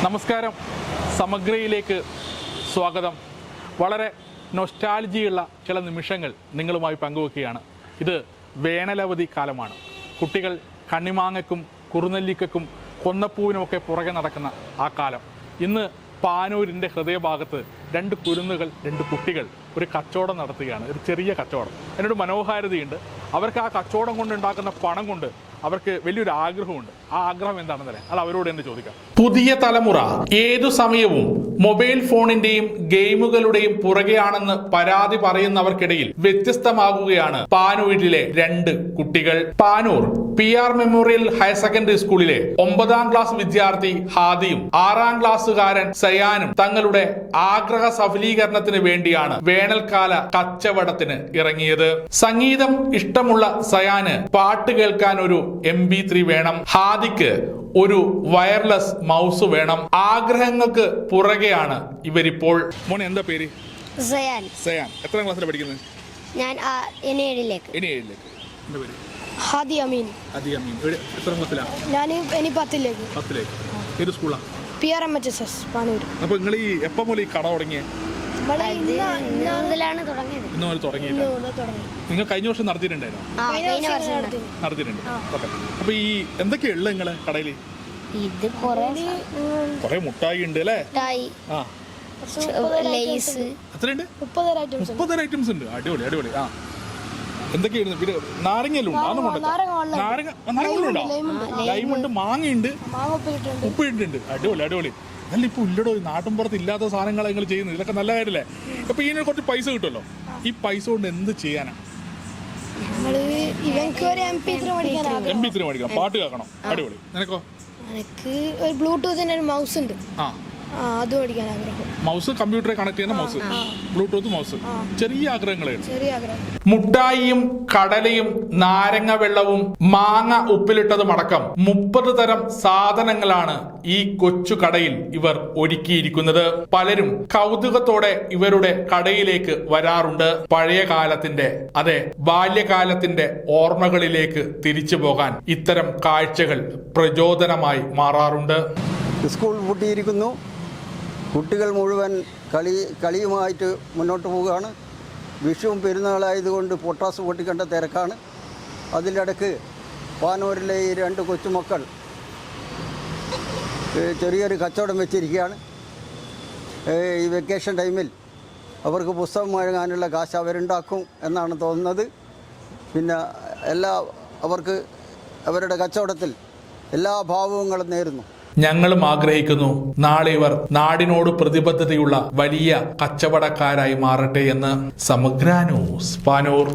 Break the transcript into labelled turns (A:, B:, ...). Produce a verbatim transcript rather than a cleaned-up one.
A: നമസ്കാരം, സമഗ്രയിലേക്ക് സ്വാഗതം. വളരെ നൊസ്റ്റാൾജിയുള്ള ചില നിമിഷങ്ങൾ നിങ്ങളുമായി പങ്കുവെക്കുകയാണ്. ഇത് വേനലവധി കാലമാണ്. കുട്ടികൾ കണ്ണിമാങ്ങയ്ക്കും കുറുനെല്ലിക്കും കൊന്നപ്പൂവിനുമൊക്കെ പുറകെ നടക്കുന്ന ആ കാലം. ഇന്ന് പാനൂരിൻ്റെ ഹൃദയഭാഗത്ത് രണ്ട് കുരുന്നുകൾ, രണ്ട് കുട്ടികൾ ഒരു കച്ചവടം നടത്തുകയാണ്. ഒരു ചെറിയ കച്ചവടം. അതിനൊരു മനോഹാരിതയുണ്ട്. അവർക്ക് ആ കച്ചവടം കൊണ്ടുണ്ടാക്കുന്ന പണം കൊണ്ട് അവർക്ക് വലിയൊരു ആഗ്രഹമുണ്ട്. ആ ആഗ്രഹം എന്താണെന്നല്ലേ, അത് അവരോട് തന്നെ ചോദിക്കാം. പുതിയ തലമുറ ഏതു സമയവും മൊബൈൽ ഫോണിന്റെയും ഗെയിമുകളുടെയും പുറകെയാണെന്ന് പരാതി പറയുന്നവർക്കിടയിൽ വ്യത്യസ്തമാകുകയാണ് പാനൂരിലെ രണ്ട് കുട്ടികൾ. Panoor P R memorial higher secondary സ്കൂളിലെ ഒമ്പതാം ക്ലാസ് വിദ്യാർത്ഥി ഹാദിയും ആറാം ക്ലാസ്സുകാരൻ സയാനും തങ്ങളുടെ ആഗ്രഹ സഫലീകരണത്തിന് വേണ്ടിയാണ് വേനൽക്കാല കച്ചവടത്തിന് ഇറങ്ങിയത്. സംഗീതം ഇഷ്ടമുള്ള സയാന് പാട്ട് കേൾക്കാൻ ഒരു എം ബി ത്രീ വേണം. ഹാദിക്ക് ഒരു വയർലെസ് മൗസ് വേണം. ആഗ്രഹങ്ങൾക്ക് പുറകെയാണ് ഇവരിപ്പോൾ. മോനെ, എന്താ പേര്?
B: സയാൻ.
A: സയാൻ എത്രാം ക്ലാസ്സിലാണ് പഠിക്കുന്നത്?
B: ഞാൻ ഇനി ഏഴിലേക്ക്.
A: ഇനി ഏഴിലേക്ക്. എന്താ പേര്?
C: ഹാദി അമീൻ.
A: ഹാദി അമീൻ. എത്രാം ക്ലാസ്സിലാണ്?
C: ഞാൻ ഇനി പത്തിലേക്ക്.
A: പത്തിലേക്ക്. ഏത് സ്കൂളാ?
C: P R M H S S Panoor.
A: അപ്പൊ നിങ്ങൾ ഈ എപ്പം മുതൽ ഈ കട തുടങ്ങിയേ?
B: മുതലാണ് തുടങ്ങിയത്.
A: ഇന്ന് മുതൽ തുടങ്ങിയില്ല. നിങ്ങൾ കഴിഞ്ഞ വർഷം നടത്തിയിട്ടുണ്ടായിരുന്നു? നടത്തിയിട്ടുണ്ട്. ഓക്കെ. അപ്പൊ ഈ എന്തൊക്കെയാ ഉള്ളത് നിങ്ങളെ കടയിൽ?
B: ഇത്
A: കൊറേ മുട്ടായി ഉണ്ട് അല്ലേ? ആ, എത്രയുണ്ട്? മുപ്പത് ഐറ്റംസ് ഉണ്ട്. അടിപൊളി അടിപൊളി. ആ, എന്തൊക്കെയായിരുന്നു? പിന്നെ നാരങ്ങലും നാരങ്ങ നാരങ്ങളുണ്ടോ? ലൈമുണ്ട്, മാങ്ങയുണ്ട്, ഉപ്പിട്ടുണ്ട്. അടിപൊളി അടിപൊളി. അല്ല, ഇപ്പൊ ഇല്ലടോ, നാട്ടിൻപുറത്ത് ഇല്ലാത്ത സാധനങ്ങളാണ് നിങ്ങൾ ചെയ്യുന്നത്. ഇതൊക്കെ നല്ല കാര്യമല്ലേ? അപ്പൊ ഇതിന് കുറച്ച് പൈസ കിട്ടുമല്ലോ. ഈ പൈസ കൊണ്ട് എന്ത് ചെയ്യാനാ?
C: എം
A: പി ത്രീ മേടിക്കണം, പാട്ട് കേൾക്കണം. അടിപൊളി. നിനക്കോ?
C: എനിക്ക് ഒരു ബ്ലൂടൂത്തിന്റെ ഒരു മൗസ് ഉണ്ട്.
A: ആ,
C: അത് മേടിക്കാൻ ആഗ്രഹം.
A: മൗസ്, കമ്പ്യൂട്ടറെ കണക്ട് ചെയ്യുന്ന മൗസ്, ബ്ലൂടൂത്ത് മൗസ്. ചെറിയ ആഗ്രഹങ്ങളെ.
C: ചെറിയ ആഗ്രഹം.
A: മുട്ടായിയും കടലയും നാരങ്ങ വെള്ളവും മാങ്ങ ഉപ്പിലിട്ടതും അടക്കം മുപ്പത് തരം സാധനങ്ങളാണ് ഈ കൊച്ചു കടയിൽ ഇവർ ഒരുക്കിയിരിക്കുന്നത്. പലരും കൗതുകത്തോടെ ഇവരുടെ കടയിലേക്ക് വരാറുണ്ട്. പഴയ കാലത്തിന്റെ, അതെ, ബാല്യകാലത്തിന്റെ ഓർമ്മകളിലേക്ക് തിരിച്ചു പോകാൻ ഇത്തരം കാഴ്ചകൾ പ്രചോദനമായി മാറാറുണ്ട്.
D: സ്കൂൾ പൂട്ടിയിരിക്കുന്നു. കുട്ടികൾ മുഴുവൻ കളി കളിയുമായിട്ട് മുന്നോട്ട് പോവുകയാണ്. വിഷുവും പെരുന്നാളായതുകൊണ്ട് പൊട്ടാസ് പൊട്ടിക്കേണ്ട തിരക്കാണ്. അതിൻ്റെ ഇടയ്ക്ക് പാനൂരിലെ ഈ രണ്ട് കൊച്ചുമക്കൾ ചെറിയൊരു കച്ചവടം വെച്ചിരിക്കുകയാണ്. ഈ വെക്കേഷൻ ടൈമിൽ അവർക്ക് പുസ്തകം വാങ്ങാനുള്ള കാശ് അവരുണ്ടാക്കും എന്നാണ് തോന്നുന്നത്. പിന്നെ എല്ലാ അവർക്ക് അവരുടെ കച്ചവടത്തിൽ എല്ലാ ഭാവങ്ങളും നേരുന്നു.
A: ഞങ്ങളും ആഗ്രഹിക്കുന്നു നാളെ ഇവർ നാടിനോട് പ്രതിബദ്ധതയുള്ള വലിയ കച്ചവടക്കാരായി മാറട്ടെ എന്ന്. സമഗ്ര ന്യൂസ്, പാനൂർ.